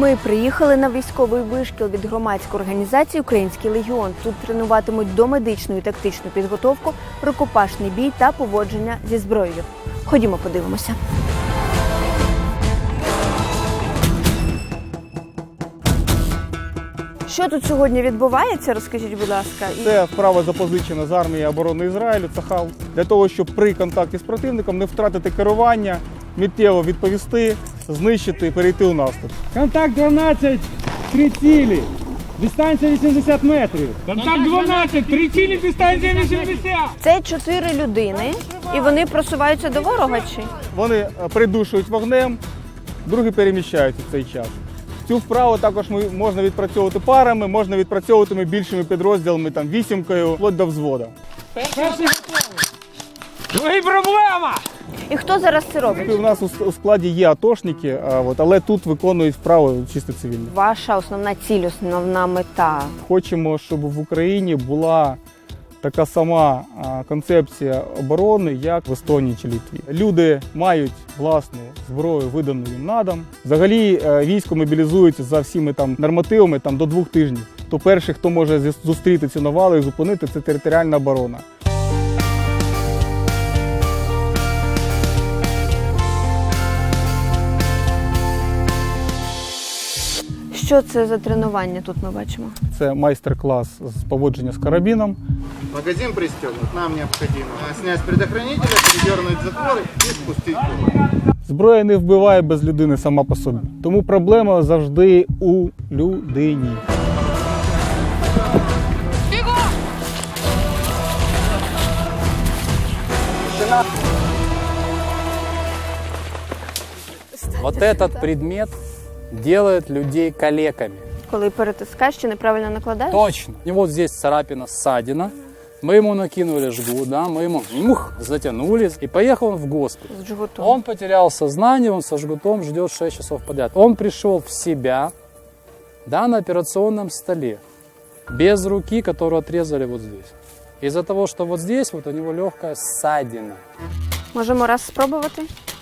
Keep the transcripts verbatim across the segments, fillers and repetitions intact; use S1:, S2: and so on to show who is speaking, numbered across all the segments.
S1: Ми приїхали на військовий вишкіл від громадської організації «Український легіон». Тут тренуватимуть домедичну і тактичну підготовку, рукопашний бій та поводження зі зброєю. Ходімо, подивимося. Що тут сьогодні відбувається, розкажіть, будь ласка.
S2: Це вправа запозичена з армії оборони Ізраїлю, Цахал, для того, щоб при контакті з противником не втратити керування, миттєво відповісти, знищити, перейти у наступ.
S3: Контакт дванадцять, три цілі, дистанція вісімдесят метрів. Контакт дванадцять, три цілі, дистанція вісімдесят.
S1: Це чотири людини, і вони просуваються до ворога, чи?
S2: Вони придушують вогнем, другі переміщаються в цей час. Цю вправу також можна відпрацьовувати парами, можна відпрацьовувати більшими підрозділами, там, вісімкою, вплоть до взводу.
S3: Перший готовий. Другий проблема.
S1: І хто зараз це робить?
S2: У нас у складі є атошники, але тут виконують вправи чисто цивільні.
S1: Ваша основна ціль, основна мета?
S2: Хочемо, щоб в Україні була така сама концепція оборони, як в Естонії чи Литві. Люди мають власну зброю, видану їм на дом. Взагалі військо мобілізується за всіми там нормативами там, до двох тижнів. То перший, хто може зустріти цю навалу і зупинити, це територіальна оборона.
S1: Що це за тренування тут ми бачимо?
S2: Це майстер-клас з поводження з карабіном.
S4: Магазин пристегнут, нам необходимо снять с предохранителя, передернуть затвор и спустить курок.
S2: Зброя не вбиває без людини сама по собі. Тому проблема завжди у людині.
S5: Вот этот предмет делает людей калеками.
S1: Коли перетискаєш чи неправильно накладаєш?
S5: Точно. И вот здесь царапина, ссадина. Мы ему накинули жгут, да, мы ему мух, затянули, и поехал он в госпиталь.
S1: З жгутом.
S5: Он потерял сознание, он со жгутом ждет шесть часов подряд. Он пришел в себя, да, на операционном столе, без руки, которую отрезали вот здесь. Из-за того, что вот здесь вот у него легкая ссадина.
S1: Можемо раз спробувати?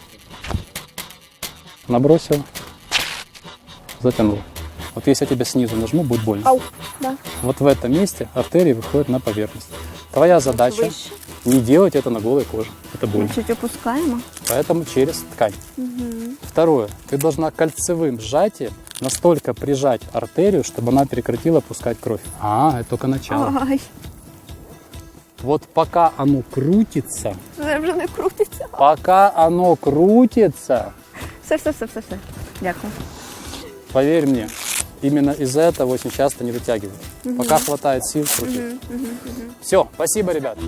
S5: Набросил, затянул. Вот если я тебя снизу нажму, будет больно.
S1: Ау, да.
S5: Вот в этом месте артерии выходят на поверхность. Твоя задача
S1: Выше.
S5: не делать это на голой коже. Это больно.
S1: Чуть опускаємо.
S5: Поэтому через ткань. Второе. Ты должна кольцевым сжатием настолько прижать артерию, чтобы она прекратила пускать кровь. А, это только начало.
S1: Ай,
S5: Вот пока оно крутится,
S1: це вже не крутиться.
S5: пока оно крутится,
S1: Все, все, все, все, все. Дякую.
S5: поверь мне, именно из-за этого очень часто не дотягивают. Пока хватает сил, крути. Все, спасибо, ребят.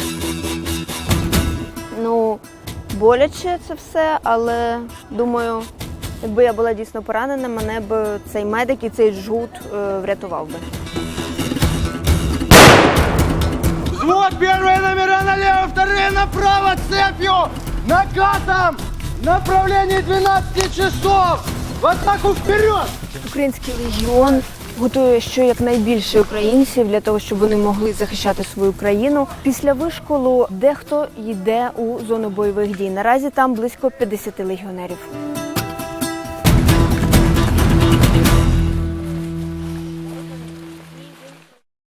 S1: Ну, боляче це все, але думаю, якби я була дійсно поранена, мене б цей медик і цей жгут е, врятував би.
S4: Взвод, первые номера налево, вторые направо, цепью, накатом, направление двенадцать часов, в атаку вперед!
S1: Український легіон готує щонайбільше українців для того, щоб вони могли захищати свою країну. Після вишколу дехто йде у зону бойових дій. Наразі там близько п'ятдесят легіонерів.